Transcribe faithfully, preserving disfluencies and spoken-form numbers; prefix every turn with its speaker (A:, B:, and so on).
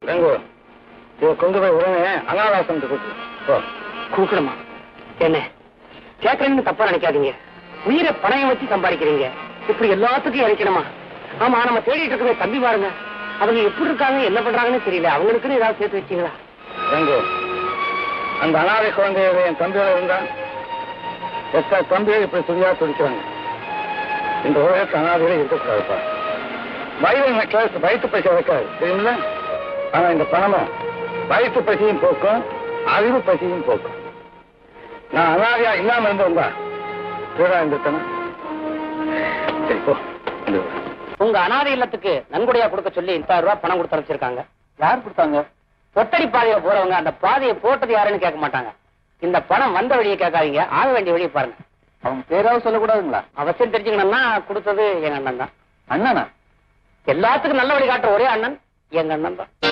A: கொண்டு போய் உடனே அனாதாசம் கூக்கணுமா? என்ன கேட்கறீங்கன்னு தப்பா நினைக்காதீங்க. உயிரை பணையம் வச்சு சம்பாதிக்கிறீங்க, இப்படி எல்லாத்துக்கும் இறைக்கணுமா? ஆமா, நம்ம தேடிட்டு இருக்கவே தம்பி பாருங்க, அவங்க எப்படி இருக்காங்க, என்ன பண்றாங்கன்னு தெரியல. அவங்களுக்குன்னு ஏதாவது சேர்த்து வச்சீங்களா? அந்த அனாதை குழந்தையோட என் தம்பியோட இருந்தான். எத்தனை தம்பியை இப்படி துணியா துடிக்கிறாங்க. இந்த உலகத்து அனாதையில இருக்கக்கூடாதுப்பா. வயிறு நெக்லஸ் வயிற்று பசி வைக்காது, தெரியுமில்ல? ஆனா இந்த பணமும் வயிற்று பசியும் போக்கும், அறிவு பசியும் போக்கும். நான் அனாதையா இல்லாம இருந்தவங்க இருந்தேன். சரி போ. உங்க அனாதை இல்லத்துக்கு நன்கொடையா கொடுக்க சொல்லி முப்பதாயிரம் ரூபாய் பணம் கொடுத்து அனுப்பிச்சிருக்காங்க. யார் கொடுத்தாங்க? ஒத்தடி பாதையை போறவங்க. அந்த பாதையை போட்டது யாருன்னு கேட்க மாட்டாங்க. இந்த பணம் வந்த வழியை கேட்காதீங்க, ஆக வேண்டிய வழியை பாருங்க. அவங்க பேராவது சொல்லக்கூடாதுங்களா? அவசியம் தெரிஞ்சுக்கணும்னா கொடுத்தது எங்க அண்ணன் தான். அண்ணனா? எல்லாத்துக்கும் நல்ல வழி காட்டுற ஒரே அண்ணன் எங்க அண்ணன் தான்.